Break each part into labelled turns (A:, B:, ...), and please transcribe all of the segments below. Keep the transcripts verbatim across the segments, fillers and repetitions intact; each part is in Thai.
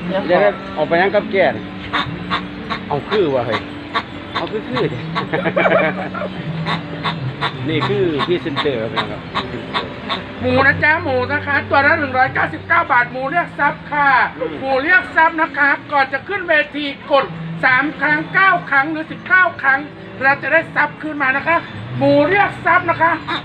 A: เดี๋ยวออกไปยังกับแก่เอาคือว่าเฮ้ยเอาคือคือนี่คือพี่เซนเตอร์ครับ
B: หมูนะจ๊ะหมูนะคะตัวละหนึ่งร้อยเก้าสิบเก้าบาทหมูเรียกซับค่ะหมูเรียกซับนะคะก่อนจะขึ้นเวทีกดสามครั้งเก้าครั้งหรือสิบเก้าครั้งเราจะได้ซับขึ้นมานะคะหมูเรียกซับนะคะ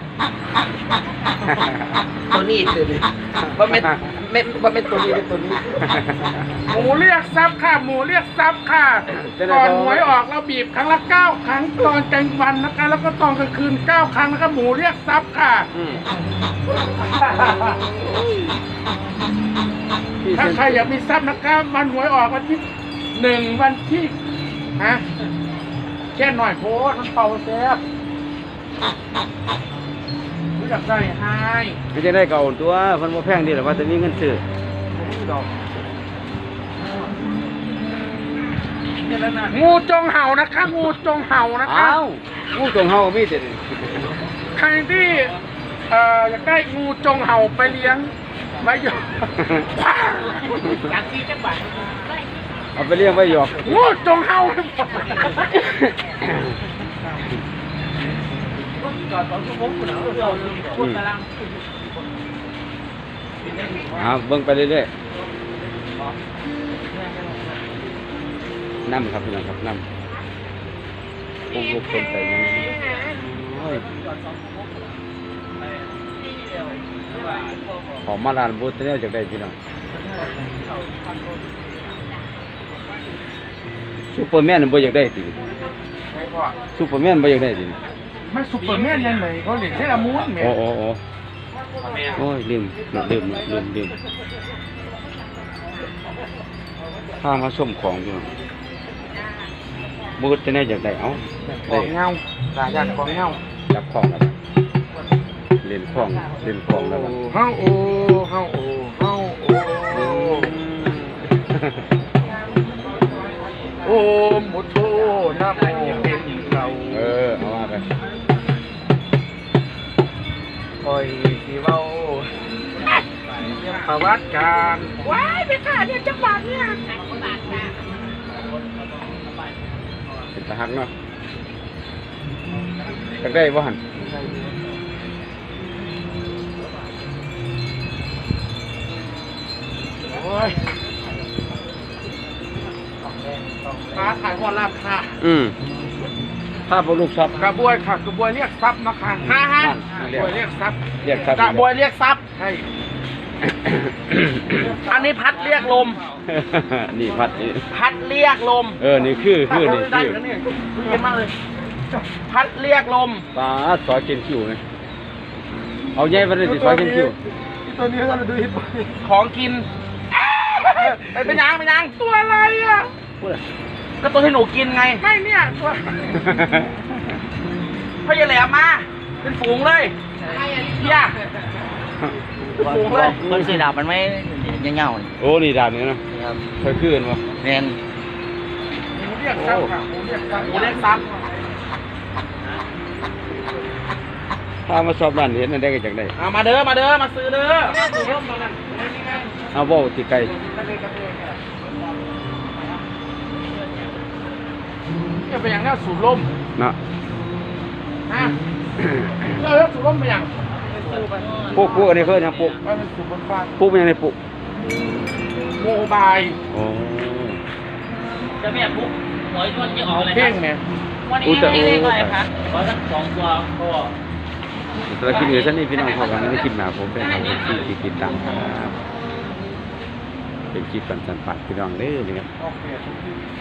C: ตัวนี้ตัวนี้ว่าไม่ไม่ว่าไม่ตัวนี้เป็นตัวนี้
B: หมูเรียกซับค่ะหมูเรียกซับค่ะก่อนหวยออกเราบีบครั้งละเก้าครั้งตอนกลางวันนะคะแล้วก็ตอนกลางคืนเก้าครั้งนะคะหมูเรียกซับค่ะถ้าใครอยากมีซับนะคะมันหวยออกวันที่หนึ่งวันที่ฮะแค่หน่อยโพสมันเป่าแซ่บรู้จักได้ให้
A: ไม่จะได้เก่าตัวคนบ่แพงดีหรอว่าจะมีเงินซื้อ
B: งูจงเห่านะคะงูจงเห่านะคะ
A: อ้าวงูจงเฮามีแต่
B: ใครที่เอ่ออยากได้งูจงเห่าไปเลี้ยงไว้หยอกอยากที่จังหวัด
A: เอาไปเลี้ยงไว้หยอก
B: งูจงเห่า
A: อ่าเบิ่งไปเรื่อยๆน้ำครับพี่น้องครับน้ำพวกลูกคนไปยังโอ้ยขอมาลานบูธเนี่ยจากได้พี่น้องซูเปอร์แมนบ่อยากได้ติซูเปอร์แมนบ่อยากได้ติ
B: ไม่ซุปเปอร์แมนยังไงเขาเรียกเซรามูนแม่
A: โอ้โอ้โอ้โอ้ยลืมลืมลืมลืมข้ามาส้มของอยู่บูธจะได้จากไหนเอ้า
B: ของเงาหลายอย่างของเงา
A: จับของแล้วเล่นของเล่นของแล้ว
B: เฮาโอเฮาโอเฮาโอโอมโมโทนะโมเป็นเรา
A: เออเอามาไป
B: คอยสิเว้าเรื่องประวัติการว้ายไปค่ะเนี่ยจังหวัดเนี่ย
A: เป็นตะหักเนาะจากได้บ่หัน
B: โอ้ยมาถ่ายหัวลาบค่ะ
A: อืมถ้าพวกลูกซับ
B: กระบวยค่ะกระบวยเรียกทรัพย์นะคะฮ่าฮ่ากระบวยเรียกทรัพย์
A: เรียกซับ
C: กระบวยเรียกซับ
B: ใช่
C: อันนี้พัดเรียกลม
A: นี่พัดนี่
C: พัดเรียกลม
A: เออนี่คือคือนี่
C: ได้
A: คือ
C: แล้วเนี่ยเย็นมากเลย พัดเรียกลม
A: ปลาซอยกินคิวไงเอาใหญ่ไปเลยสิซอยกินคิว
B: ตัวนี้เราดูฮิป
C: ของกินไปเป็นยังเป็นยัง
B: ตัวอะไรอ่ะ
A: พูดอะ
C: ก็ตัวที่หนูกินไง
B: ไม่เนี่ยตัว
C: พ่อใหญ่แหลมมา เป็นฝูงเลยเฮียเป็นฝูงเลย
D: คนสีดาบมันไม่ยังเงา
A: โอ้นี่ดาบนี่นะเคยขึ้นวะ
D: เนน
B: หมูเรียกทรัพย์ค่ะหมูเรียกทรัพย์
C: หมูเรียกซับ
A: ถ้ามาสอบด้านเห็นนั่นได้ก็จากได้
C: เอามาเด้อมาเด้อมาซื้อเด้อ
A: เอาบ่ติไก่
B: จะไปอย่างนั้นสูบลม
A: นะ
B: ฮะเราเรียกสูบลมไปอย่าง
A: ปุ๊กปุ๊กอันนี้เคยนะปุ๊ก
B: ไปเป็นสูบบนฟ้า
A: ปุ๊กเป็นยังไงปุ๊ก
B: โมบาย
A: โอ้
D: จะไม่ปุ๊บหวยชนจะออกเลย
B: เพ่งไหม
D: วันนี้ไม่ได้เลยครับขอสักสองตัวก็
A: สำหรับคลิปนี้ฉันนี่พี่น้องพอกันในคลิปหน้าผมเป็นทางที่ที่ติดตามครับเป็นคลิปสันสันปัดพี่น้องเด้อนี่ครับ
B: โอเค